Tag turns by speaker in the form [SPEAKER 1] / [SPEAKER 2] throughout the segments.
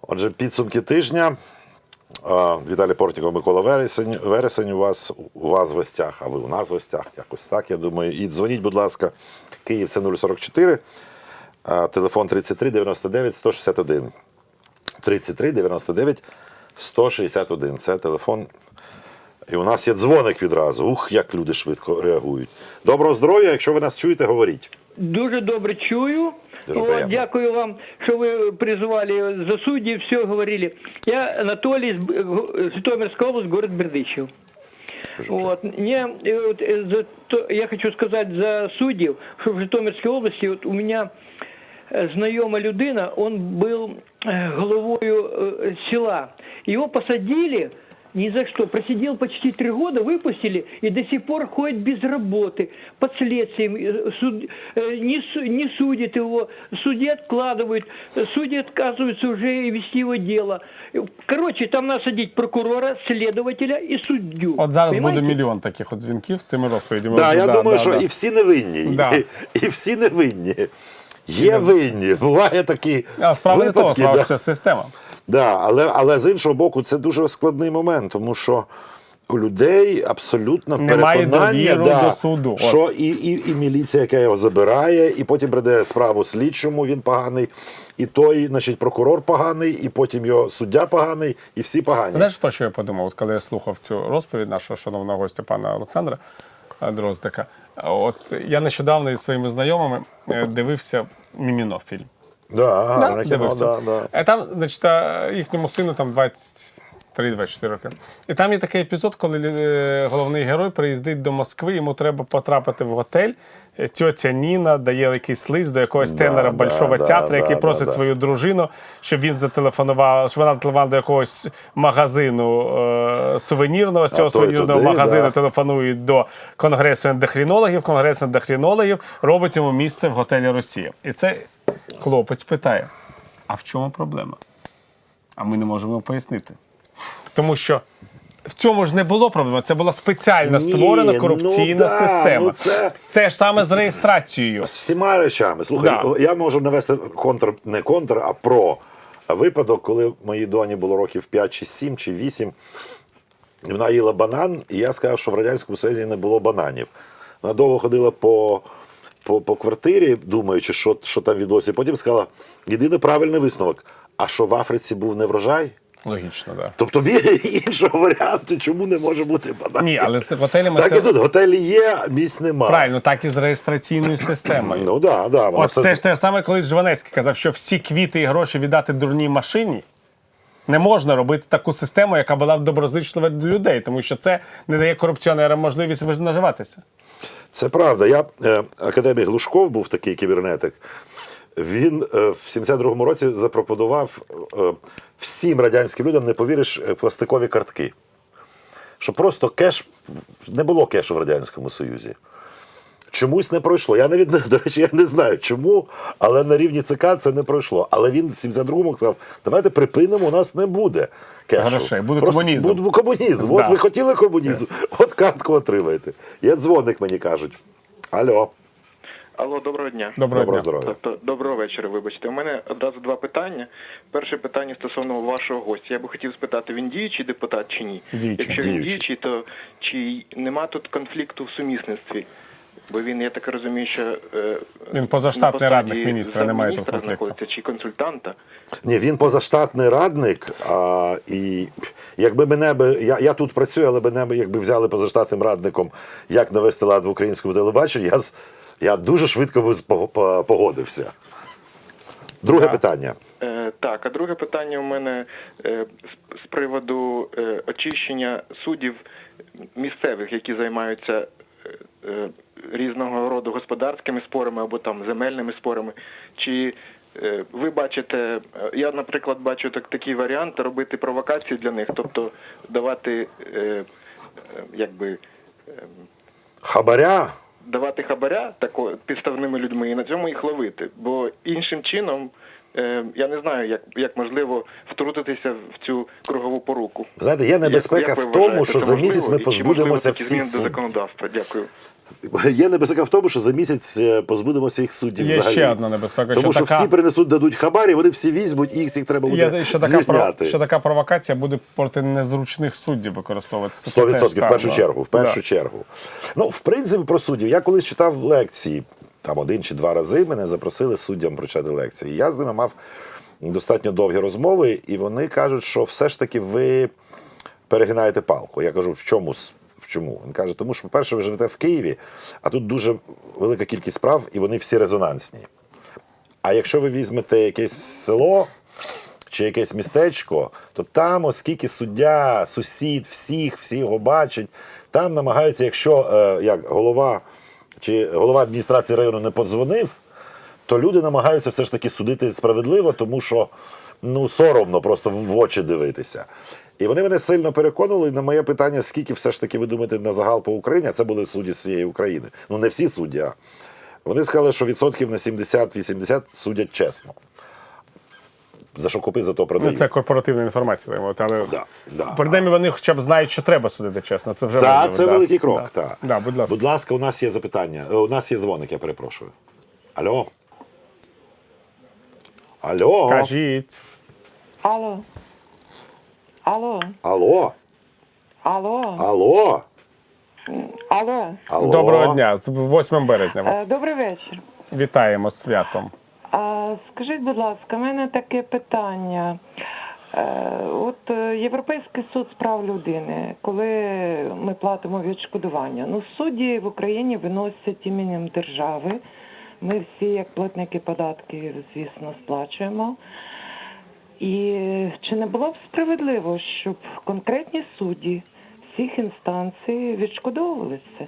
[SPEAKER 1] Отже, підсумки тижня. Віталій Портніков, Микола Вересень у вас в гостях, а ви у нас в гостях. Якось так, я думаю. І дзвоніть, будь ласка, Київ це 044, телефон 33 99 161. 33 99 161. Це телефон. І у нас є дзвоник відразу. Ух, як люди швидко реагують. Доброго здоров'я, якщо ви нас чуєте, говоріть.
[SPEAKER 2] Дуже добре чую.
[SPEAKER 1] Дуже
[SPEAKER 2] дякую вам, що ви призывали за судей, все говорили. Я Анатолий, Житомирская область, город Бердичев. Я хочу сказать за суддів, що в Житомирській області у мене знайома людина, он был головою села. Его посадили ни за что. Просидел почти 3 года, выпустили и до сих пор ходит без работы, под следствием. Не судят его, судьи откладывают, судьи отказываются уже вести его дело. Короче, там надо садить прокурора, следователя и суддю.
[SPEAKER 3] От зараз
[SPEAKER 2] Понимаете?
[SPEAKER 3] буде мільйон таких от дзвінків з цими розповідями.
[SPEAKER 1] Да, я думаю, що і всі невинні.
[SPEAKER 3] Да.
[SPEAKER 1] І всі невинні. Є винні, буває такі
[SPEAKER 3] справа не того,
[SPEAKER 1] випадки.
[SPEAKER 3] справа, що це система.
[SPEAKER 1] Да, але з іншого боку, це дуже складний момент, тому що у людей абсолютно
[SPEAKER 3] Немає
[SPEAKER 1] переконання,
[SPEAKER 3] довіри до суду.
[SPEAKER 1] що і міліція, яка його забирає, і потім прийде справу слідчому, він поганий, і той, значить, прокурор поганий, і потім його суддя поганий, і всі погані.
[SPEAKER 3] Знаєш, про що я подумав, от коли я слухав цю розповідь нашого шановного гостя пана Олександра Дроздика? От я нещодавно із своїми знайомими дивився «Міміно» фільм.
[SPEAKER 1] Да,
[SPEAKER 3] дивився.
[SPEAKER 1] да.
[SPEAKER 3] Там, значить, їхньому сину там 23-24 роки. І там є такий епізод, коли головний герой приїздить до Москви, йому треба потрапити в готель. Тьотя Ніна дає якийсь лист до якогось тенора Большого театру, який просить свою дружину, щоб він зателефонував, щоб вона зателефонувала до якогось магазину сувенірного. З цього сувенірного магазину телефонують до Конгресу ендокринологів. Конгрес ендокринологів робить йому місце в готелі «Росія». І цей хлопець питає, а в чому проблема? А ми не можемо пояснити. Тому що в цьому ж не було проблеми. Це була спеціально створена корупційна система. Те ж саме з реєстрацією.
[SPEAKER 1] З всіма речами. Слухай, я можу навести не контр, а про випадок, коли моїй доні було років 5 чи 7 чи 8. І вона їла банан, і я сказав, що в Радянському Союзі не було бананів. Вона довго ходила по квартирі, думаючи, що там відбулося. І потім сказала, єдиний правильний висновок, а що в Африці був не врожай?
[SPEAKER 3] Логічно, так.
[SPEAKER 1] Тобто іншого варіанту, чому не може бути банан?
[SPEAKER 3] Ні, але з готелями
[SPEAKER 1] так і тут, готелі є, місць немає.
[SPEAKER 3] Правильно, так і з реєстраційною системою.
[SPEAKER 1] Ну так, да.
[SPEAKER 3] От це ж те ж саме, коли Жванецький казав, що всі квіти і гроші віддати дурній машині. Не можна робити таку систему, яка була б доброзичлива до людей, тому що це не дає корупціонерам можливість наживатися.
[SPEAKER 1] Це правда. Академій Глушков був такий кібернетик. Він в 72-му році запропонував всім радянським людям, не повіриш, пластикові картки. Що просто не було кешу в Радянському Союзі. Чомусь не пройшло. Я навіть, до речі, я не знаю чому, але на рівні ЦК це не пройшло. Але він в 72-му сказав, давайте припинимо, у нас не буде кешу.
[SPEAKER 3] Грошей, буде комунізм.
[SPEAKER 1] Буде комунізм. От ви хотіли комунізм, от картку отримаєте. Є дзвоник, мені кажуть. Алло.
[SPEAKER 4] Алло, доброго дня.
[SPEAKER 3] Доброго
[SPEAKER 1] здоров'я.
[SPEAKER 4] Доброго вечора, вибачте. У мене одразу 2 питання. Перше питання стосовно вашого гостя. Я би хотів спитати, він діючий депутат чи ні?
[SPEAKER 3] Діючий.
[SPEAKER 4] Якщо він діючий, то чи нема тут конфлікту в сумісництві? Бо він, я так розумію, що
[SPEAKER 3] він позаштатний радник міністра, немає тут конфлікту.
[SPEAKER 4] Чи консультанта?
[SPEAKER 1] Ні, він позаштатний радник, і якби я тут працюю, але мене якби взяли позаштатним радником, як навести лад в українському телебаченні, я дуже швидко би погодився. Друге питання.
[SPEAKER 4] Так, а друге питання у мене з приводу очищення суддів місцевих, які займаються різного роду господарськими спорами або там земельними спорами. Чи ви бачите, я, наприклад, бачу такий варіант, робити провокації для них, тобто давати,
[SPEAKER 1] Хабаря?
[SPEAKER 4] Давати хабаря підставними людьми і на цьому їх ловити. Бо іншим чином я не знаю, як можливо втрутитися в цю кругову поруку.
[SPEAKER 1] Знаєте, є небезпека
[SPEAKER 4] Як ви
[SPEAKER 1] в тому,
[SPEAKER 4] вважаєте,
[SPEAKER 1] що
[SPEAKER 4] це
[SPEAKER 1] за
[SPEAKER 4] можливо?
[SPEAKER 1] місяць ми
[SPEAKER 4] І чи
[SPEAKER 1] позбудемося
[SPEAKER 4] можливо такі
[SPEAKER 1] всіх
[SPEAKER 4] зміни до
[SPEAKER 1] суддів.
[SPEAKER 4] законодавства? Дякую.
[SPEAKER 1] Є небезпека в тому, що за місяць позбудемося їх суддів
[SPEAKER 3] Є
[SPEAKER 1] взагалі.
[SPEAKER 3] ще одна небезпека,
[SPEAKER 1] Тому що
[SPEAKER 3] що така-
[SPEAKER 1] всі принесуть, дадуть хабарі, вони всі візьмуть, і їх всіх треба буде
[SPEAKER 3] Є ще
[SPEAKER 1] звільняти.
[SPEAKER 3] що така провокація буде проти незручних суддів використовуватися.
[SPEAKER 1] 100% в першу
[SPEAKER 3] Так,
[SPEAKER 1] чергу. В першу
[SPEAKER 3] да.
[SPEAKER 1] чергу. Ну, в принципі, про суддів. Я колись читав лекції, там 1 чи 2 рази мене запросили суддям прочитати лекції. Я з ними мав достатньо довгі розмови, і вони кажуть, що все ж таки ви перегинаєте палку. Я кажу, в чому? Чому? Він каже, тому що, по-перше, ви живете в Києві, а тут дуже велика кількість справ, і вони всі резонансні. А якщо ви візьмете якесь село чи якесь містечко, то там, оскільки суддя, сусід, всі його бачать, там намагаються, якщо як голова адміністрації району не подзвонив, то люди намагаються все ж таки судити справедливо, тому що соромно просто в очі дивитися. І вони мене сильно переконували на моє питання, скільки все ж таки ви думаєте на загал по Україні, а це були судді з всієї України. Ну, не всі судді, а вони сказали, що відсотків на 70-80 судять чесно. За що купи, за то продають.
[SPEAKER 3] Це корпоративна інформація. Але
[SPEAKER 1] Да.
[SPEAKER 3] принаймні вони хоча б знають, що треба судити чесно. Це вже
[SPEAKER 1] Так,
[SPEAKER 3] важливо,
[SPEAKER 1] це великий крок.
[SPEAKER 3] Да.
[SPEAKER 1] Так.
[SPEAKER 3] Да, будь ласка.
[SPEAKER 1] Будь ласка, у нас є запитання. У нас є дзвоник, я перепрошую. Алло? Алло?
[SPEAKER 3] Кажіть.
[SPEAKER 5] Алло. Алло.
[SPEAKER 1] Алло?
[SPEAKER 5] Алло.
[SPEAKER 1] Алло?
[SPEAKER 5] Алло.
[SPEAKER 1] Алло?
[SPEAKER 3] Доброго дня. З 8 березня вас.
[SPEAKER 5] Добрий вечір.
[SPEAKER 3] Вітаємо з святом.
[SPEAKER 5] Скажіть, будь ласка, в мене таке питання. От Європейський суд з прав людини, коли ми платимо відшкодування, судді в Україні виносять іменем держави. Ми всі, як платники податків, звісно, сплачуємо. І чи не було б справедливо, щоб конкретні судді всіх інстанцій відшкодовувалися?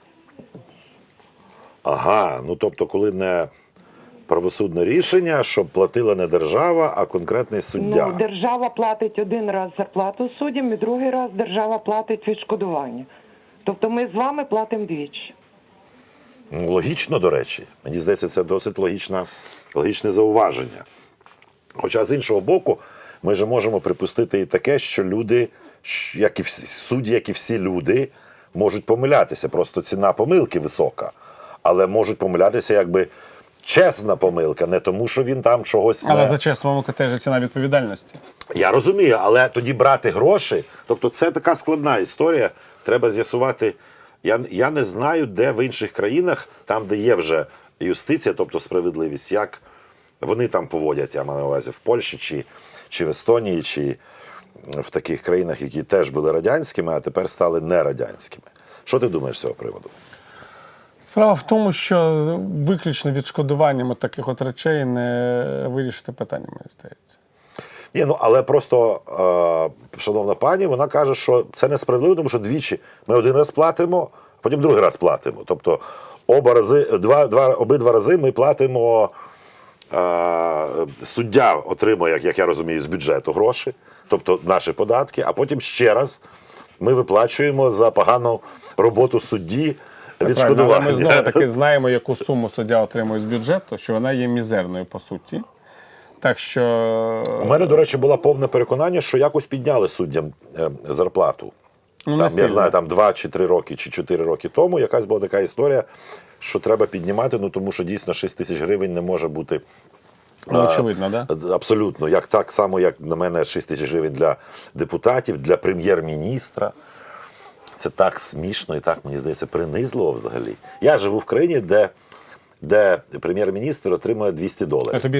[SPEAKER 1] Ага, тобто, коли не правосудне рішення, щоб платила не держава, а конкретний суддя.
[SPEAKER 5] Держава платить один раз зарплату суддям, і другий раз держава платить відшкодування. Тобто ми з вами платимо двічі.
[SPEAKER 1] Логічно, до речі. Мені здається, це досить логічне зауваження. Хоча, з іншого боку, ми ж можемо припустити і таке, що люди, як і всі, судді, як і всі люди, можуть помилятися. Просто ціна помилки висока. Але можуть помилятися якби чесна помилка, не тому, що він там чогось
[SPEAKER 3] Але
[SPEAKER 1] не...
[SPEAKER 3] за чесну помилку теж ціна відповідальності.
[SPEAKER 1] Я розумію, але тоді брати гроші, тобто це така складна історія, треба з'ясувати. Я не знаю, де в інших країнах, там, де є вже юстиція, тобто справедливість, як вони там поводять, я маю на увазі, в Польщі, чи в Естонії, чи в таких країнах, які теж були радянськими, а тепер стали нерадянськими. Що ти думаєш з цього приводу?
[SPEAKER 3] Справа в тому, що виключно відшкодуванням таких от речей не вирішити питання, мені здається.
[SPEAKER 1] Ні, але просто шановна пані, вона каже, що це несправедливо, тому що двічі ми один раз платимо, а потім другий раз платимо. Тобто обидва рази ми платимо, суддя отримує, як я розумію, з бюджету гроші, тобто наші податки, а потім ще раз ми виплачуємо за погану роботу судді відшкодування.
[SPEAKER 3] Але ми знову-таки знаємо, яку суму суддя отримує з бюджету, що вона є мізерною по суті. Так що...
[SPEAKER 1] У мене, до речі, було повне переконання, що якось підняли суддям зарплату. Я знаю, 2 чи 3 роки, чи 4 роки тому якась була така історія, що треба піднімати, тому що дійсно 6 тисяч гривень не може бути.
[SPEAKER 3] Очевидно, да?
[SPEAKER 1] Абсолютно. Так само, як на мене 6 тисяч гривень для депутатів, для прем'єр-міністра. Це так смішно і так, мені здається, принизливо взагалі. Я живу в країні, де прем'єр-міністр отримує $200.
[SPEAKER 3] Тобі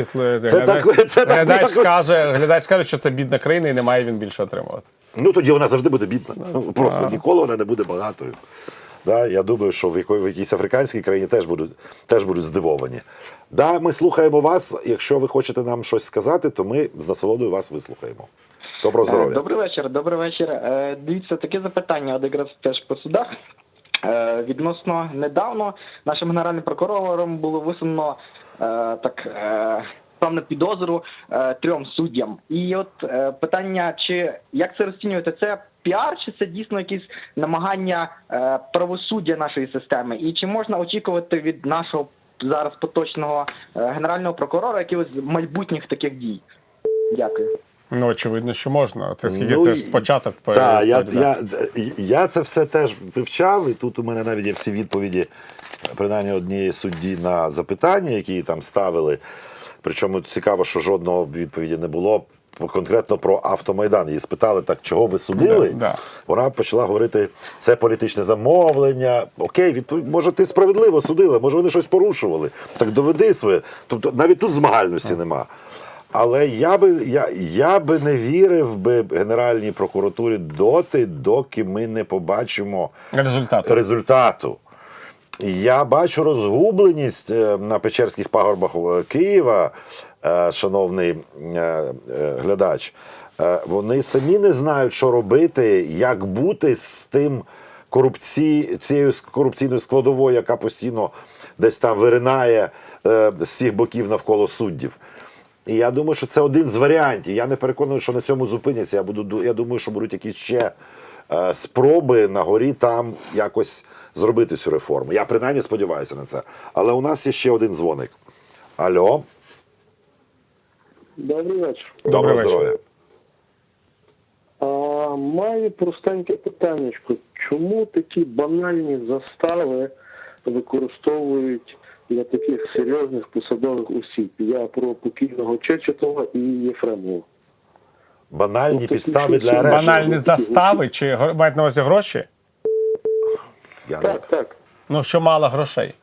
[SPEAKER 3] глядач скаже, що це бідна країна і не має він більше отримувати.
[SPEAKER 1] Тоді вона завжди буде бідна. Просто ніколи вона не буде багатою. Я думаю, що в якійсь африканській країні теж будуть здивовані. Ми слухаємо вас. Якщо ви хочете нам щось сказати, то ми з насолодою вас вислухаємо. Доброго здоров'я.
[SPEAKER 6] Добрий вечір. Дивіться, таке запитання, якраз теж по судах. Відносно недавно нашим генеральним прокурором було висунено певну підозру 3 суддям. І от питання, як це розцінюєте, це піар, чи це дійсно якісь намагання правосуддя нашої системи? І чи можна очікувати від нашого зараз поточного генерального прокурора, якихось майбутніх таких дій? Дякую.
[SPEAKER 3] Ну, очевидно, що можна. Це скільки
[SPEAKER 1] Ну,
[SPEAKER 3] це ж спочаток
[SPEAKER 1] Так,
[SPEAKER 3] історії,
[SPEAKER 1] я це все теж вивчав, і тут у мене навіть є всі відповіді, принаймні однієї судді на запитання, які там ставили. Причому цікаво, що жодного відповіді не було конкретно про Автомайдан. Її спитали, так, чого ви судили?
[SPEAKER 3] Да.
[SPEAKER 1] Вона почала говорити, це політичне замовлення. Окей, може ти справедливо судила, може вони щось порушували. Так доведи своє. Тобто навіть тут змагальності нема. Але я би не вірив би Генеральній прокуратурі доки ми не побачимо результату. Я бачу розгубленість на Печерських пагорбах Києва, шановний глядач. Вони самі не знають, що робити, як бути з тим цією корупційною складовою, яка постійно десь там виринає з всіх боків навколо суддів. І я думаю, що це один з варіантів. Я не переконаний, що на цьому зупиняться. Я думаю, що будуть якісь ще спроби на горі там якось зробити цю реформу. Я принаймні сподіваюся на це. Але у нас є ще один дзвоник. Алло.
[SPEAKER 7] Добрий вечір.
[SPEAKER 1] Доброго
[SPEAKER 3] вечір.
[SPEAKER 1] здоров'я.
[SPEAKER 7] Маю простеньке питаннячко. Чому такі банальні застави використовують для таких серйозних посадових осіб? Я про покійного Чечетова і Єфремова.
[SPEAKER 1] Банальні
[SPEAKER 7] Ну,
[SPEAKER 1] підстави для
[SPEAKER 7] такі
[SPEAKER 1] арешту.
[SPEAKER 3] Банальні застави чи мають на увазі гроші?
[SPEAKER 7] Так.
[SPEAKER 3] Ну, що мало грошей.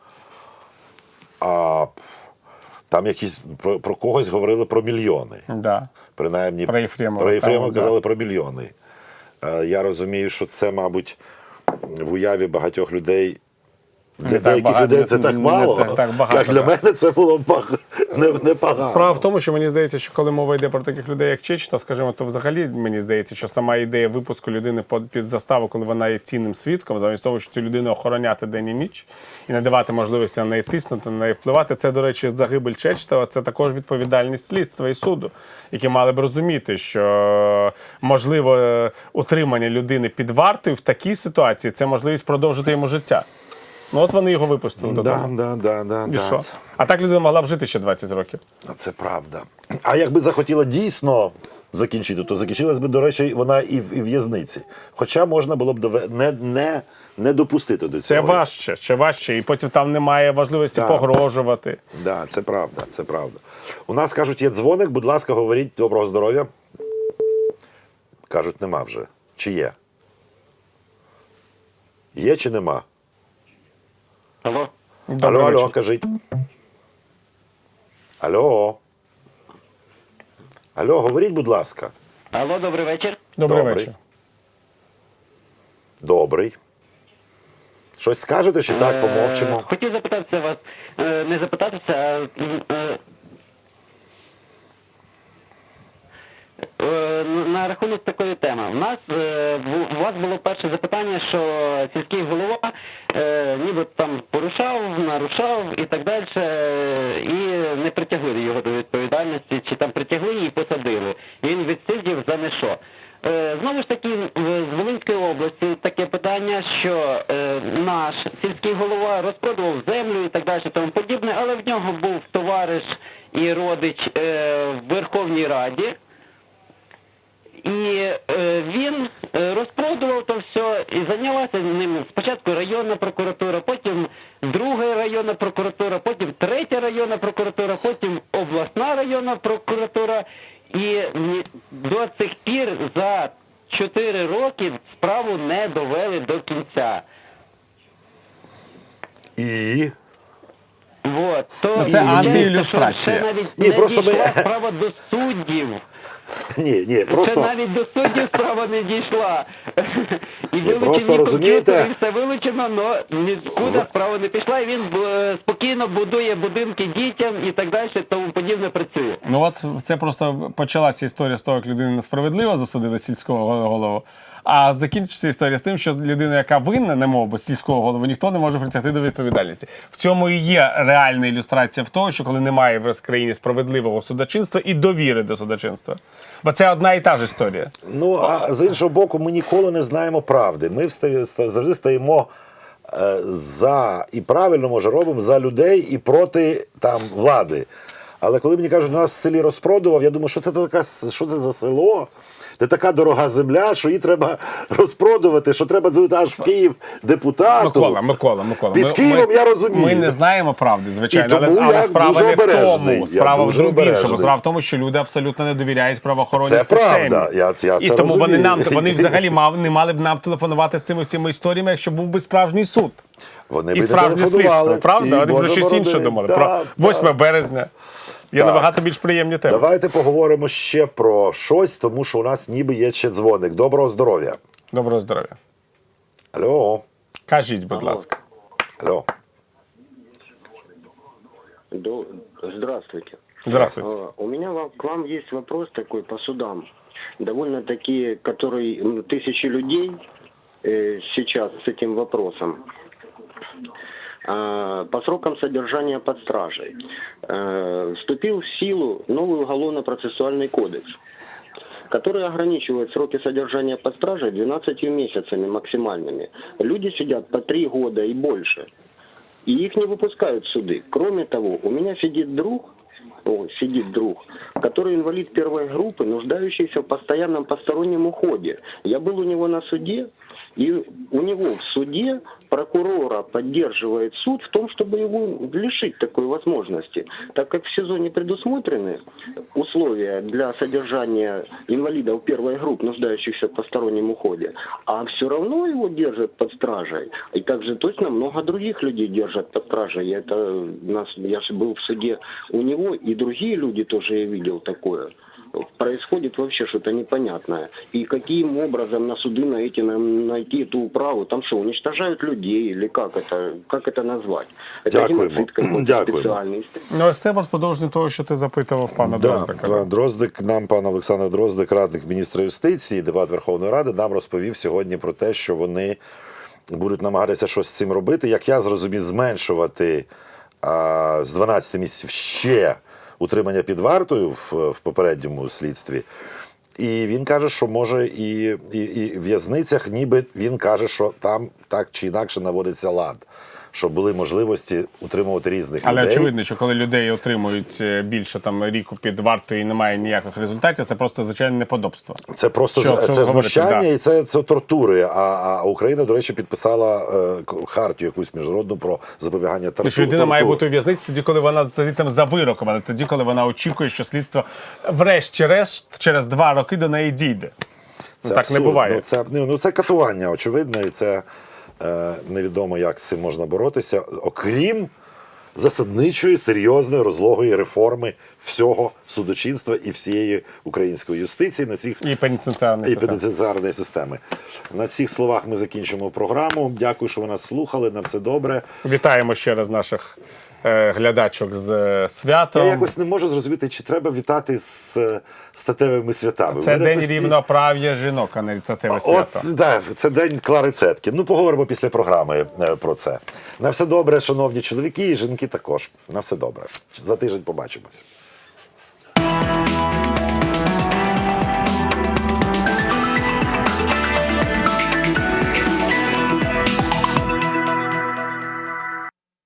[SPEAKER 1] Там якісь про когось говорили про мільйони.
[SPEAKER 3] Да.
[SPEAKER 1] Принаймні,
[SPEAKER 3] Про Єфремова.
[SPEAKER 1] Про Єфремова
[SPEAKER 3] Там,
[SPEAKER 1] казали про мільйони. Я розумію, що це, мабуть, в уяві багатьох людей. Для
[SPEAKER 3] так
[SPEAKER 1] деяких
[SPEAKER 3] багато,
[SPEAKER 1] людей це так
[SPEAKER 3] не
[SPEAKER 1] мало.
[SPEAKER 3] так багато,
[SPEAKER 1] Як для мене це було непогано.
[SPEAKER 3] Справа в тому, що мені здається, що коли мова йде про таких людей, як Чечета, скажімо, то взагалі мені здається, що сама ідея випуску людини під заставу, коли вона є цінним свідком, замість того, що цю людину охороняти день і ніч і не давати можливості на неї тиснути, на неї впливати, це, до речі, загибель Чечета, це також відповідальність слідства і суду, які мали б розуміти, що можливо утримання людини під вартою в такій ситуації це можливість продовжити йому життя. Ну от вони його випустили додому. І що? А так людина могла б жити ще 20 років.
[SPEAKER 1] Це правда. А якби захотіла дійсно закінчити, то закінчилась би, до речі, вона і в в'язниці. Хоча можна було б не допустити до цього.
[SPEAKER 3] Це ще важче, і потім там немає важливості
[SPEAKER 1] Так.
[SPEAKER 3] погрожувати.
[SPEAKER 1] Да, це правда, це правда. У нас, кажуть, є дзвоник, будь ласка, говоріть, доброго здоров'я. Кажуть, нема вже. Чи є? Є чи нема?
[SPEAKER 4] Алло?
[SPEAKER 3] Добрий
[SPEAKER 1] Алло,
[SPEAKER 3] вечір.
[SPEAKER 1] кажіть. Алло, говоріть, будь ласка.
[SPEAKER 4] Алло, добрий вечір.
[SPEAKER 3] Добрий
[SPEAKER 1] Добрий.
[SPEAKER 3] вечір.
[SPEAKER 1] Добрий. Щось скажете, чи так, помовчимо?
[SPEAKER 8] Хотів запитатися вас, не запитатися, а на рахунок такої теми. У вас було перше запитання, що сільський голова ніби там порушав, нарушав і так далі, і не притягли його до відповідальності, чи там притягли і посадили. І він відсидів за не що. Знову ж таки, з Волинської області таке питання, що наш сільський голова розпродував землю і так далі, тому подібне, але в нього був товариш і родич в Верховній Раді. І він розпродував то все і зайнялася ним спочатку районна прокуратура, потім друга районна прокуратура, потім третя районна прокуратура, потім обласна районна прокуратура. І до цих пір за 4 роки справу не довели до кінця.
[SPEAKER 1] І?
[SPEAKER 8] Вот. То
[SPEAKER 3] Ну, це антиілюстрація.
[SPEAKER 8] Це навіть
[SPEAKER 1] Ні,
[SPEAKER 8] не
[SPEAKER 1] просто
[SPEAKER 8] дійшла
[SPEAKER 1] ми-
[SPEAKER 8] справа до суддів.
[SPEAKER 1] Ні,
[SPEAKER 8] Це
[SPEAKER 1] просто...
[SPEAKER 8] навіть до суддів справа не дійшла. І
[SPEAKER 1] просто
[SPEAKER 8] вилучені
[SPEAKER 1] розумієте-
[SPEAKER 8] комп'ютери, все вилучено, але нікуди справа не пішла, і він спокійно будує будинки дітям і так далі, тому подібне працює.
[SPEAKER 3] Ну от це просто почалася історія з того, як людину несправедливо засудили сільського голову, а закінчиться історія з тим, що людина, яка винна, немов би сільського голову, ніхто не може притягти до відповідальності. В цьому і є реальна ілюстрація в того, що коли немає в країні справедливого судочинства і довіри до судочинства. Бо це одна і та ж історія.
[SPEAKER 1] Ну, а з іншого боку, ми ніколи не знаємо правди. Ми завжди стаємо за, і правильно, може, робимо за людей і проти там влади. Але коли мені кажуть, нас в селі розпродував, я думаю, що це за село, де така дорога земля, що її треба розпродувати, що треба дзвонити аж в Київ депутату.
[SPEAKER 3] Микола.
[SPEAKER 1] Під Києвом я розумію.
[SPEAKER 3] Ми не знаємо правди, звичайно,
[SPEAKER 1] І тому
[SPEAKER 3] але
[SPEAKER 1] я
[SPEAKER 3] справа
[SPEAKER 1] дуже
[SPEAKER 3] не в
[SPEAKER 1] обережний.
[SPEAKER 3] тому.
[SPEAKER 1] Я
[SPEAKER 3] Справа в
[SPEAKER 1] дуже
[SPEAKER 3] іншому.
[SPEAKER 1] обережний.
[SPEAKER 3] Справа в тому, що люди абсолютно не довіряють правоохоронній
[SPEAKER 1] Це
[SPEAKER 3] системі.
[SPEAKER 1] правда, я
[SPEAKER 3] І
[SPEAKER 1] це
[SPEAKER 3] тому
[SPEAKER 1] розумію.
[SPEAKER 3] вони взагалі не мали б нам телефонувати з цими історіями, якщо був би справжній суд.
[SPEAKER 1] Вони
[SPEAKER 3] І
[SPEAKER 1] б
[SPEAKER 3] справжнє
[SPEAKER 1] телефонували,
[SPEAKER 3] слідство, правда?
[SPEAKER 1] і,
[SPEAKER 3] Вони про
[SPEAKER 1] Боже
[SPEAKER 3] щось інше
[SPEAKER 1] борони.
[SPEAKER 3] думали.
[SPEAKER 1] Да,
[SPEAKER 3] Про 8 березня. Є
[SPEAKER 1] Так.
[SPEAKER 3] набагато більш приємні теми.
[SPEAKER 1] Давайте поговоримо ще про щось, тому що у нас ніби є ще дзвоник. Доброго здоров'я.
[SPEAKER 3] Доброго здоров'я.
[SPEAKER 1] Алло.
[SPEAKER 3] Кажіть, будь ласка.
[SPEAKER 1] Алло.
[SPEAKER 7] Здравствуйте.
[SPEAKER 3] Здравствуйте.
[SPEAKER 7] У меня к вам есть вопрос такой по судам. Довольно-таки, который тысячи людей сейчас с этим вопросом. По срокам содержания под стражей. Вступил в силу новый уголовно-процессуальный кодекс, который ограничивает сроки содержания под стражей 12 месяцами максимальными. Люди сидят по 3 года и больше. И их не выпускают в суды. Кроме того, у меня сидит друг, который инвалид первой группы, нуждающийся в постоянном постороннем уходе. Я был у него на суде, и у него в суде прокурора поддерживает суд в том, чтобы его лишить такой возможности. Так как в СИЗО не предусмотрены условия для содержания инвалидов первой группы, нуждающихся в постороннем уходе, а все равно его держат под стражей. И также точно много других людей держат под стражей. Я же был в суде у него, и другие люди тоже я видел такое. Происходит вообще что-то непонятное. И каким образом на суды найти эту управу? Там что, уничтожают людей? Или как это назвать? Это геноцид какой-то специальный.
[SPEAKER 3] Ну, ось це продовження того, що ти запитував пана Дроздика.
[SPEAKER 1] Пан Дроздик, пан Олександр Дроздик, радник міністра юстиції, депутат Верховної Ради, нам розповів сьогодні про те, що вони будуть намагатися щось з цим робити. Як я зрозумів, зменшувати з 12 місяців ще утримання під вартою в попередньому слідстві. І він каже, що може і в в'язницях, ніби він каже, що там так чи інакше наводиться лад. Щоб були можливості утримувати різних людей.
[SPEAKER 3] Але очевидно, що коли людей отримують більше ріку під вартою і немає ніяких результатів, це просто звичайне неподобство.
[SPEAKER 1] Це просто це знущання і це тортури. А Україна, до речі, підписала хартію якусь міжнародну про запобігання тортур.
[SPEAKER 3] Що людина має бути у в'язниці тоді, коли вона там за вироком, але тоді, коли вона очікує, що слідство врешті-решт через 2 роки до неї дійде.
[SPEAKER 1] Це
[SPEAKER 3] так
[SPEAKER 1] абсурд.
[SPEAKER 3] не буває.
[SPEAKER 1] Це катування, очевидно, і це невідомо, як з цим можна боротися, окрім засадничої, серйозної, розлогої реформи всього судочинства і всієї української юстиції на цих
[SPEAKER 3] І пенітенціарної
[SPEAKER 1] системи. На цих словах ми закінчимо програму. Дякую, що ви нас слухали. На все добре.
[SPEAKER 3] Вітаємо ще раз наших глядачок з святом.
[SPEAKER 1] Я якось не можу зрозуміти, чи треба вітати з статевими святами.
[SPEAKER 3] Це день рівноправ'я жінок, а не статеве свято.
[SPEAKER 1] Це день Клари Цеткін. Ну, поговоримо після програми про це. На все добре, шановні чоловіки і жінки також. На все добре. За тиждень побачимось.